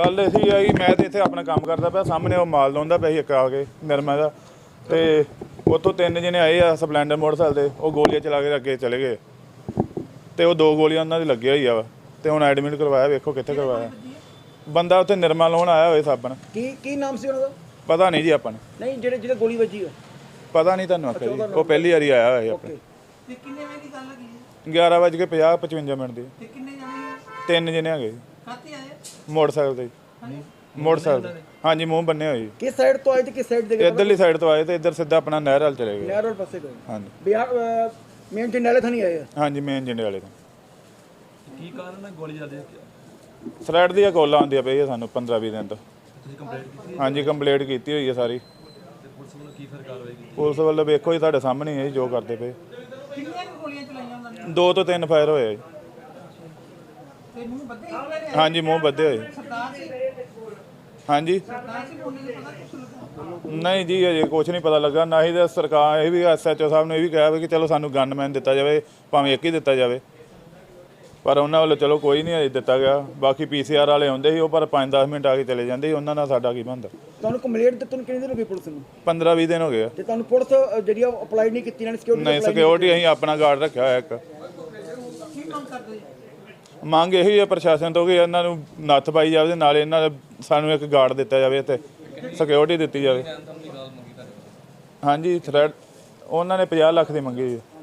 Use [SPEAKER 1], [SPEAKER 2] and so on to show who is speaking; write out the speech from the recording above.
[SPEAKER 1] ਗੱਲ ਇਹ ਆ ਕਿ ਮੈਂ ਤਾਂ ਇੱਥੇ ਆਪਣਾ ਕੰਮ ਕਰਦਾ ਪਿਆ, ਸਾਹਮਣੇ ਉਹ ਮਾਲ ਲਾਉਂਦਾ ਪਿਆ ਸੀ ਇੱਕ ਆ ਕੇ ਨਿਰਮਾ ਦਾ, ਤੇ ਉੱਥੋਂ 3 ਜਣੇ ਆਏ ਆ ਸਪਲੈਂਡਰ ਮੋਟਰਸਾਈਕਲ ਤੇ, ਉਹ ਗੋਲੀਆਂ ਚਲਾ ਕੇ ਅੱਗੇ ਚਲੇ ਗਏ ਤੇ ਉਹ 2 ਗੋਲੀਆਂ ਉਹਨਾਂ ਦੀ ਲੱਗੀਆਂ ਹੋਈ ਆ ਵਾ ਤੇ ਹੁਣ ਐਡਮਿਟ ਕਰਵਾਇਆ, ਵੇਖੋ ਕਿੱਥੇ ਕਰਵਾਇਆ। ਬੰਦਾ ਉੱਥੇ ਨਿਰਮਾ ਲਾਉਣ ਆਇਆ ਹੋਏ ਸਾਬਣ।
[SPEAKER 2] ਕੀ ਨਾਮ ਸੀ ਉਹਨਾਂ ਦਾ?
[SPEAKER 1] ਪਤਾ ਨਹੀਂ ਜੀ ਆਪਾਂ ਨੂੰ।
[SPEAKER 2] ਨਹੀਂ ਜਿਹੜੇ ਗੋਲੀ ਵੱਜੀ ਆ
[SPEAKER 1] ਪਤਾ ਨਹੀਂ ਤੁਹਾਨੂੰ ਆਖਿਆ ਜੀ, ਉਹ ਪਹਿਲੀ ਵਾਰੀ ਆਇਆ ਹੋਇਆ ਆਪਣੇ।
[SPEAKER 3] ਤੇ ਕਿੰਨੇ ਵਜੇ ਦੀ ਗੱਲ ਹੈਗੀ ਹੈ?
[SPEAKER 1] 11:50-55 ਮਿੰਟ ਦੀ।
[SPEAKER 3] ਤੇ ਕਿੰਨੇ ਜਾਣੇ?
[SPEAKER 1] 3 ਜਣੇ ਹੈਗੇ ਜੀ
[SPEAKER 3] ਕਾਹਤੇ ਆਏ?
[SPEAKER 1] ਮੋਟਰਸਾਈਕਲ ਤੇ। ਮੋਟਰਸਾਈਕਲ ਹਾਂਜੀ, ਮੂੰਹ ਬੰਨੇ ਹੋਏ ਜੀ।
[SPEAKER 2] ਕਿਸ ਸਾਈਡ ਤੋਂ ਆਏ ਤੇ ਕਿਸ ਸਾਈਡ ਦੇ ਗਏ?
[SPEAKER 1] ਇੱਧਰਲੀ ਸਾਈਡ ਤੋਂ ਆਏ ਤੇ ਇੱਧਰ ਸਿੱਧਾ ਆਪਣਾ ਨਹਿਰ ਵੱਲ ਚਲੇ ਗਏ।
[SPEAKER 2] ਨਹਿਰ ਰੋਡ ਪਾਸੇ ਗਏ।
[SPEAKER 1] ਹਾਂਜੀ
[SPEAKER 2] ਬਿਹਾਰ ਮੇਨ ਜੰਡਾਲੇ ਥਾਣੀ ਆਏ ਆ।
[SPEAKER 1] ਹਾਂਜੀ, ਮੇਨ ਜਿੰਡੇ ਵਾਲੇ ਤੋਂ।
[SPEAKER 4] ਕੀ ਕਾਰਨ ਹੈ ਗੋਲੀ ਚੱਲਦੀ?
[SPEAKER 1] ਥਰੈਡ ਦੀਆਂ ਕਾਲਾਂ ਆਉਂਦੀਆਂ ਪਈਆਂ ਸਾਨੂੰ 15-20 ਦਿਨ ਤੋਂ।
[SPEAKER 4] ਤੁਸੀਂ ਕੰਪਲੇਂਟ ਕੀਤੀ?
[SPEAKER 1] ਹਾਂਜੀ, ਕੰਪਲੇਂਟ ਕੀਤੀ ਹੋਈ ਹੈ ਸਾਰੀ।
[SPEAKER 4] ਤੇ ਪੁਲਿਸ ਵੱਲੋਂ ਕੀ ਫਿਰ ਕਾਰਵਾਈ ਕੀਤੀ?
[SPEAKER 1] ਪੁਲਿਸ ਵੱਲੋਂ ਵੇਖੋ ਜੀ, ਤੁਹਾਡੇ ਸਾਹਮਣੇ ਹੀ ਹੈ ਜੀ ਜੋ ਕਰਦੇ ਪਏ।
[SPEAKER 3] ਕਿੰਨੀਆਂ ਗੋਲੀਆਂ ਚਲਾਈਆਂ ਉਹਨਾਂ ਨੇ?
[SPEAKER 1] 2 ਤੋਂ 3 ਫਾਇਰ ਹੋਏ ਜੀ।
[SPEAKER 3] ਤੇ ਮੂੰਹ ਬੱਧੇ ਹੋਏ?
[SPEAKER 1] ਹਾਂਜੀ, ਮੂੰਹ ਬੱਧੇ ਹੋਏ।
[SPEAKER 3] ਸਰਦਾਰ ਸੀ?
[SPEAKER 1] ਹਾਂਜੀ
[SPEAKER 3] ਸਰਦਾਰ ਸੀ, ਬੋਲਣ ਦਾ ਪਤਾ ਕੁਛ ਲੱਗਾ?
[SPEAKER 1] ਨਹੀਂ ਜੀ, ਅਜੇ ਕੁਛ ਨਹੀਂ ਪਤਾ ਲੱਗਾ। ਨਾ ਹੀ ਤਾਂ ਸਰਕਾਰ, ਇਹ ਵੀ SHO ਸਾਹਿਬ ਨੇ ਇਹ ਵੀ ਕਿਹਾ ਵੀ ਕਿ ਚਲੋ ਸਾਨੂੰ ਗਨਮੈਨ ਦਿੱਤਾ ਜਾਵੇ, ਭਾਵੇਂ ਇੱਕ ਹੀ ਦਿੱਤਾ ਜਾਵੇ, ਪਰ ਉਹਨਾਂ ਵੱਲੋਂ ਚਲੋ ਕੋਈ ਨਹੀਂ ਅਜੇ ਦਿੱਤਾ ਗਿਆ। ਬਾਕੀ PCR ਵਾਲੇ ਆਉਂਦੇ ਸੀ, ਉਹ ਪਰ 5-10 ਮਿੰਟ ਆ ਕੇ ਚਲੇ ਜਾਂਦੇ ਸੀ, ਉਹਨਾਂ ਨਾਲ ਸਾਡਾ ਕੀ ਬਣਦਾ।
[SPEAKER 2] ਤੁਹਾਨੂੰ ਕੰਪਲੇਂਟ ਦਿੱਤੀ ਨੂੰ ਕਿੰਨੇ ਦਿਨ ਹੋ ਗਏ ਪੁਲਿਸ ਨੂੰ?
[SPEAKER 1] 15-20 ਦਿਨ ਹੋ ਗਏ ਆ।
[SPEAKER 2] ਤੇ ਤੁਹਾਨੂੰ ਪੁਲਿਸ ਜਿਹੜੀ ਆ ਅਪਲਾਈ ਨਹੀਂ ਕੀਤੀ, ਇਹਨਾਂ ਨੇ ਸਿਕਿਉਰਿਟੀ
[SPEAKER 1] ਨਹੀਂ, ਸਿਕਿਉਰਿਟੀ ਅਸੀਂ ਆਪਣਾ ਗਾਰਡ ਰੱਖਿਆ ਹੋਇਆ ਇੱਕ।
[SPEAKER 3] ਕੀ ਮੰਗ ਕਰਦੇ ਜੀ?
[SPEAKER 1] ਮੰਗ ਇਹੀ ਹੈ ਪ੍ਰਸ਼ਾਸਨ ਤੋਂ ਕਿ ਇਹਨਾਂ ਨੂੰ ਨੱਥ ਪਾਈ ਜਾਵੇ ਤੇ ਨਾਲੇ ਇਹਨਾਂ ਸਾਨੂੰ ਇੱਕ ਗਾਰਡ ਦਿੱਤਾ ਜਾਵੇ ਤੇ ਸਿਕਿਉਰਿਟੀ ਦਿੱਤੀ ਜਾਵੇ। ਹਾਂਜੀ, ਥ੍ਰੈਡ ਉਹਨਾਂ ਨੇ 50 ਲੱਖ ਦੀ ਮੰਗੀ ਜੀ।